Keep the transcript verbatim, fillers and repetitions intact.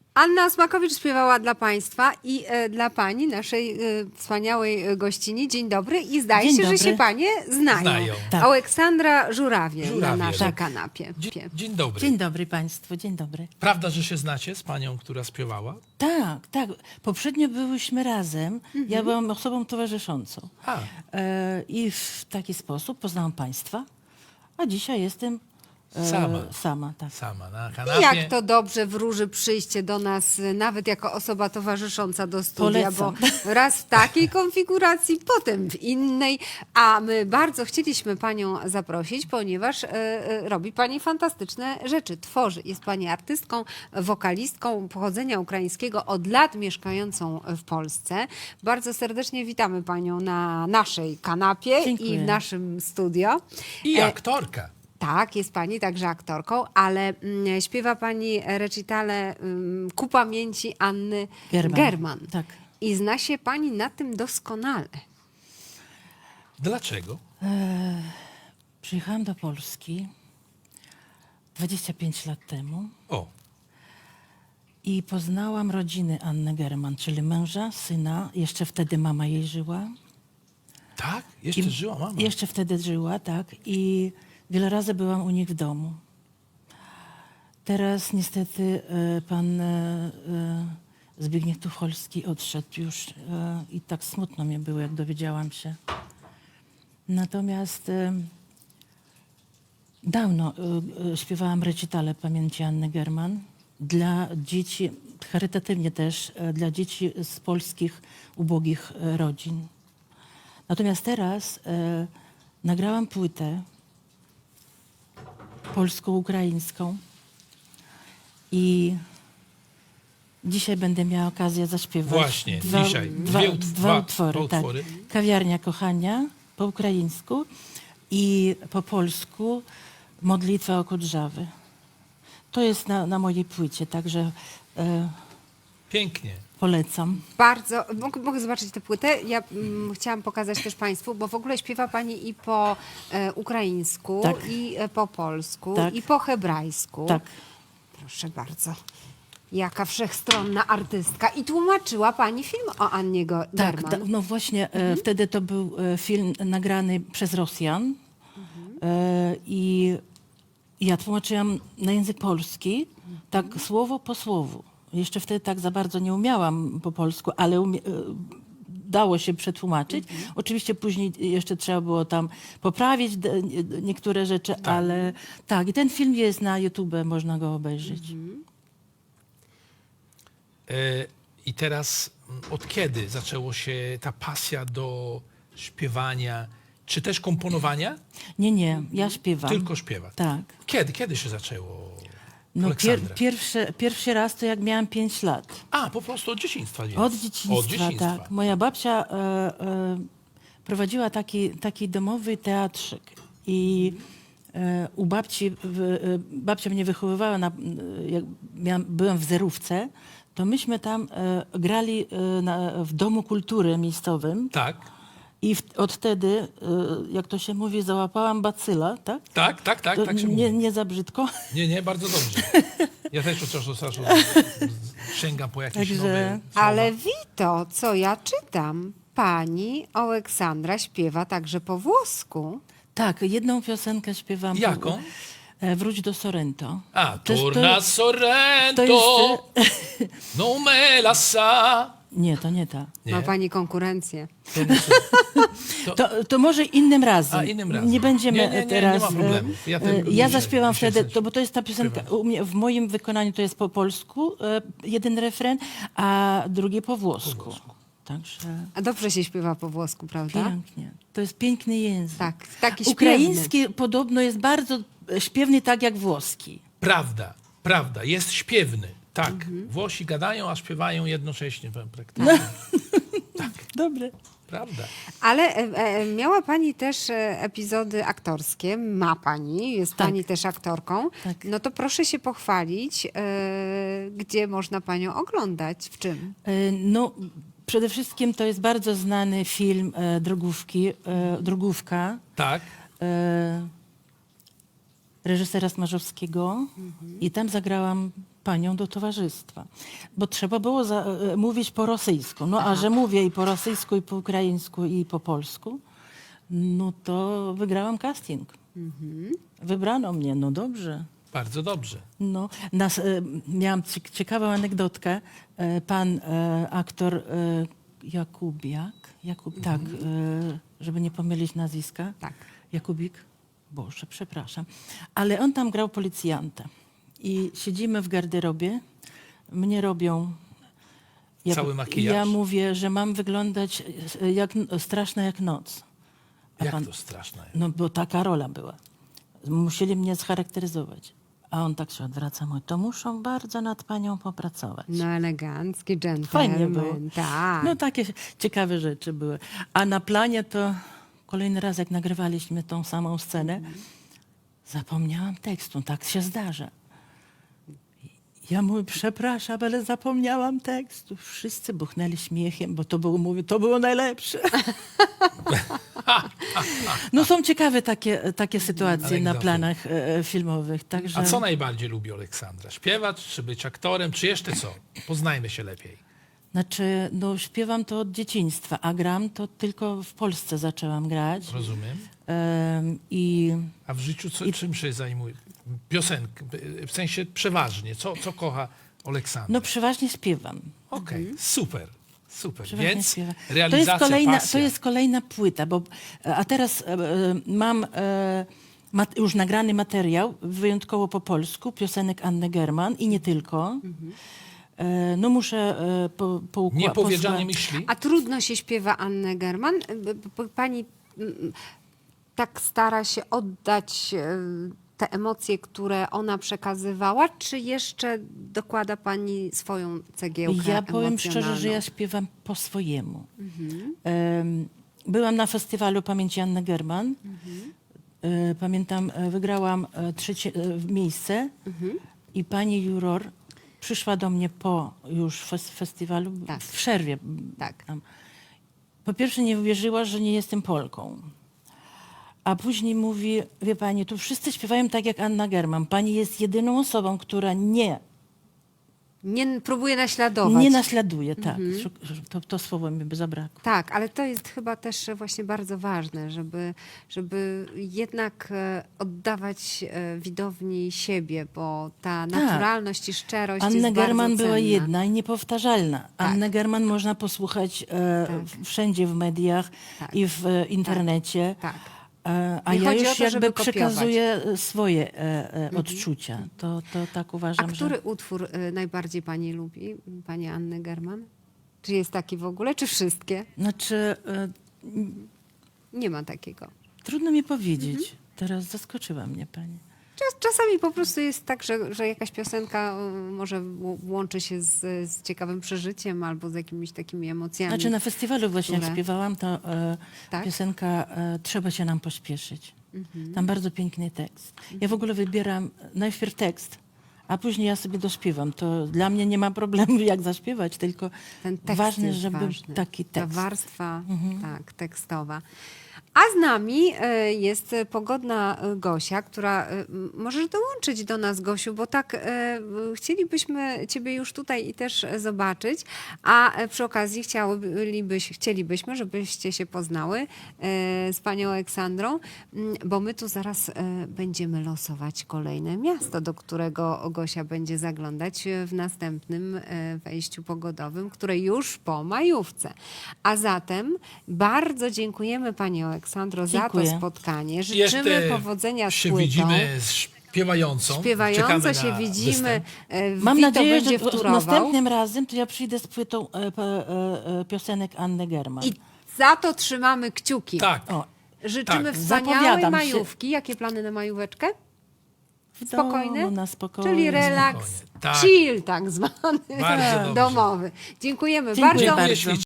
Anna Smakowicz śpiewała dla Państwa i e, dla Pani, naszej e, wspaniałej e, gościni. Dzień dobry i zdaje Dzień się, dobry. że się Panie znają. Znają. Tak. Aleksandra Żurawie, Żurawie, na naszej tak. kanapie. Dzień, dzień dobry. Dzień dobry Państwu, dzień dobry. Prawda, że się znacie z panią, która śpiewała? Tak, tak. Poprzednio byłyśmy razem. Mhm. Ja byłam osobą towarzyszącą. A, E, I w taki sposób poznałam Państwa, a dzisiaj jestem e, Sama. sama tak. sama na I kanapie. jak to dobrze wróży przyjście do nas, e, nawet jako osoba towarzysząca do studia, Polecam. bo raz w takiej konfiguracji, potem w innej, a my bardzo chcieliśmy Panią zaprosić, ponieważ e, e, robi Pani fantastyczne rzeczy, tworzy. Jest Pani artystką, wokalistką pochodzenia ukraińskiego, od lat mieszkającą w Polsce. Bardzo serdecznie witamy Panią na naszej kanapie Dziękuję. i w naszym studio. I E, aktorka. Tak, jest Pani także aktorką, ale mm, śpiewa Pani recitale mm, ku pamięci Anny German. German. Tak. I zna się Pani na tym doskonale. Dlaczego? Przyjechałam do Polski dwadzieścia pięć lat temu O, i poznałam rodziny Anny German, czyli męża, syna. Jeszcze wtedy mama jej żyła. tak? Jeszcze I żyła mama. Jeszcze wtedy żyła, tak. I wiele razy byłam u nich w domu. Teraz niestety e, pan e, e, Zbigniew Tucholski odszedł już e, i tak smutno mi było, jak dowiedziałam się. Natomiast e, dawno e, e, śpiewałam recitale pamięci Anny German dla dzieci, charytatywnie też, e, dla dzieci z polskich ubogich e, rodzin. Natomiast teraz e, nagrałam płytę polsko-ukraińską i dzisiaj będę miała okazję zaśpiewać Właśnie, dwa, dzisiaj. dwa, Dwie ut- dwa dwa- utwory. dwa Tak. utwory. Kawiarnia kochania po ukraińsku i po polsku Modlitwa o Kudrzawy. To jest na, na mojej płycie, także e, Pięknie. polecam. Bardzo, mogę, mogę zobaczyć tę płytę? Ja mm, chciałam pokazać też Państwu, bo w ogóle śpiewa Pani i po e, ukraińsku, Tak. i e, po polsku, Tak. i po hebrajsku. Tak. Proszę bardzo. Jaka wszechstronna artystka. I tłumaczyła Pani film o Annie Go- Tak, German. da, no właśnie e, wtedy to był e, film nagrany przez Rosjan e, i ja tłumaczyłam na język polski, tak słowo po słowu. Jeszcze wtedy tak za bardzo nie umiałam po polsku, ale umie, e, dało się przetłumaczyć. Oczywiście później jeszcze trzeba było tam poprawić de, nie- niektóre rzeczy, ale tak. I ten film jest na YouTube, można go obejrzeć. E, I teraz mm, od kiedy zaczęło się ta pasja do śpiewania, czy też komponowania? Nie, nie, ja śpiewam. Tylko śpiewa. Tak. Kiedy? Kiedy się zaczęło? No pier, Aleksandra? pierwszy, pierwszy raz to jak miałam pięć lat. A, po prostu od dzieciństwa. Więc. Od dzieciństwa, Od dzieciństwa. tak. Moja babcia e, e, prowadziła taki, taki domowy teatrzyk i e, u babci, w, e, babcia mnie wychowywała, na, e, jak miałam, byłam w zerówce, to myśmy tam e, grali e, na, w Domu Kultury miejscowym Tak, i w, od wtedy, e, jak to się mówi, załapałam bacyla, tak? tak, tak, tak, To tak się nie, mówi. nie za brzydko. Nie, nie, bardzo dobrze. Ja też od czasu do czasu sięgam po jakieś Także- nowe słowa. Ale Wito, co ja czytam? Pani Aleksandra śpiewa także po włosku. Tak, jedną piosenkę śpiewam. Jaką? E, Wróć do Sorrento. A, To jest- to Torna jest- Sorrento, to no me la sa. Nie, to nie ta. Nie, Ma Pani konkurencję. to nie to. To, to może innym razem. A, innym razem. Nie będziemy Nie, nie, nie, nie teraz. ma problemu. Ja e, tylko ja dzisiaj- zaśpiewam dzisiaj wtedy, coś to, bo to jest ta piosenka, śpiewam. u mnie, w moim wykonaniu to jest po polsku, e, jeden refren, a drugi po włosku. Także A dobrze się śpiewa po włosku, prawda? pięknie. To jest piękny język. Tak, taki śpiewny. Ukraiński podobno jest bardzo śpiewny, tak jak włoski. Prawda, prawda, jest śpiewny. Tak, Mhm. Włosi gadają, a śpiewają jednocześnie praktycznie. Dobre. Prawda. Ale e, e, miała Pani też e, epizody aktorskie, ma Pani, jest Tak. Pani też aktorką. Tak. No to proszę się pochwalić, e, gdzie można Panią oglądać, w czym? E, No, przede wszystkim to jest bardzo znany film e, Drogówki, e, Drogówka Tak, e, reżysera Smarzowskiego i tam zagrałam panią do towarzystwa. Bo trzeba było za, e, mówić po rosyjsku. No a że mówię i po rosyjsku, i po ukraińsku, i po polsku, no to wygrałam casting. Wybrano mnie, no dobrze. Bardzo dobrze. No, nas, e, miałam cie- ciekawą anegdotkę. E, pan e, aktor e, Jakubiak, Jakub, tak, e, żeby nie pomylić nazwiska. Tak. Jakubik? Boże, przepraszam. Ale on tam grał policjanta. I siedzimy w garderobie, mnie robią... Ja, Cały makijaż. Ja mówię, że mam wyglądać e, jak, straszna jak noc. A Jak pan- to straszne. No bo taka rola była. Musieli mnie scharakteryzować. A on tak się odwraca, mówi, to muszą bardzo nad panią popracować. No elegancki Fajnie było. gentleman. Tak. No takie ciekawe rzeczy były. A na planie to kolejny raz, jak nagrywaliśmy tą samą scenę, zapomniałam tekstu. Tak się zdarza. Ja mówię, przepraszam, ale zapomniałam tekstu. Wszyscy buchnęli śmiechem, bo to było, mówię, to było najlepsze. No są ciekawe takie, takie sytuacje na Anegdoty. planach e, filmowych. Także... A co najbardziej lubi Aleksandra? Śpiewać, czy być aktorem, czy jeszcze co? Poznajmy się lepiej. Znaczy, no śpiewam to od dzieciństwa, a gram to tylko w Polsce zaczęłam grać. Rozumiem. Em, I A w życiu co, czym się zajmuje? Piosenk, w sensie przeważnie. Co, co kocha Aleksandra? no przeważnie śpiewam. Okej, super, super. Przeważnie Więc śpiewam. realizacja, to jest kolejna, pasja. To jest kolejna płyta, bo a teraz e, e, mam e, mat, już nagrany materiał, wyjątkowo po polsku, piosenek Anny German i nie tylko. E, no muszę e, po, po, Niepowiedziane posła- myśli. A trudno się śpiewa Annę German? B- b- Pani mm, tak stara się oddać e, te emocje, które ona przekazywała, czy jeszcze dokłada pani swoją cegiełkę Ja powiem szczerze, że ja emocjonalną? śpiewam po swojemu. Em, Byłam na festiwalu Pamięci Anny German. E, Pamiętam, e, wygrałam e, trzecie e, miejsce i pani juror przyszła do mnie po już fes- festiwalu, Tak. w przerwie. Tak. Tam. Po pierwsze nie uwierzyła, że nie jestem Polką. A później mówi, wie pani, tu wszyscy śpiewają tak jak Anna German. Pani jest jedyną osobą, która nie Nie próbuje naśladować. Nie naśladuje, tak. Szuk- To, to słowo mi by zabrakło. Tak, ale to jest chyba też właśnie bardzo ważne, żeby, żeby jednak e, oddawać e, widowni siebie, bo ta naturalność i szczerość Anna jest German bardzo była cenna. jedna i niepowtarzalna. Annę German można posłuchać e, Tak. wszędzie w mediach Tak. i w e, internecie. Tak. E, a Nie ja chodzi już o to, jakby żeby kopiować. przekazuję e, swoje e, e, odczucia. To, to tak A uważam, który że... utwór e, najbardziej pani lubi, pani Anny German? Czy jest taki w ogóle, czy wszystkie? Znaczy, e, Nie ma takiego. trudno mi powiedzieć. Mhm. Teraz zaskoczyła mnie pani. Czas, czasami po prostu jest tak, że, że jakaś piosenka y, może w- łączy się z, z ciekawym przeżyciem albo z jakimiś takimi emocjami. Znaczy na festiwalu właśnie jak które- śpiewałam, to e, Tak? piosenka e, Trzeba się nam pośpieszyć. Mhm. Tam bardzo piękny tekst. Ja w ogóle wybieram najpierw tekst, a później ja sobie dośpiewam. To dla mnie nie ma problemu jak zaśpiewać, tylko Ten tekst ważne, jest żeby ważny. taki Ta tekst. Mhm. warstwa tak, tekstowa. A z nami e, jest pogodna e, Gosia, która e, m, możesz dołączyć do nas, Gosiu, bo tak e, chcielibyśmy Ciebie już tutaj i też e, zobaczyć, a e, przy okazji chciałybyś, chcielibyśmy, żebyście się poznały e, z panią Aleksandrą, m, bo my tu zaraz e, będziemy losować kolejne miasto, do którego Gosia będzie zaglądać w następnym e, wejściu pogodowym, które już po majówce. A zatem bardzo dziękujemy pani Aleksandro za Dziękuję. to spotkanie. Życzymy Jeszcze powodzenia z się płytą. widzimy z śpiewającą. Śpiewająco Czekamy się na widzimy. występ. e, Mam Vito nadzieję, będzie że wtórował. następnym razem to ja przyjdę z płytą e, p- e, e, piosenek Anny German. I za to trzymamy kciuki. Tak. O, Życzymy Tak. wspaniałej Zapowiadam się. majówki. Jakie plany na majóweczkę? w Spokojne? domu, na spokojnie. Czyli relaks, Spokojnie. Tak. chill tak zwany, Bardzo dobrze. domowy. Dziękujemy Dziękuję bardzo. bardzo. Jeśli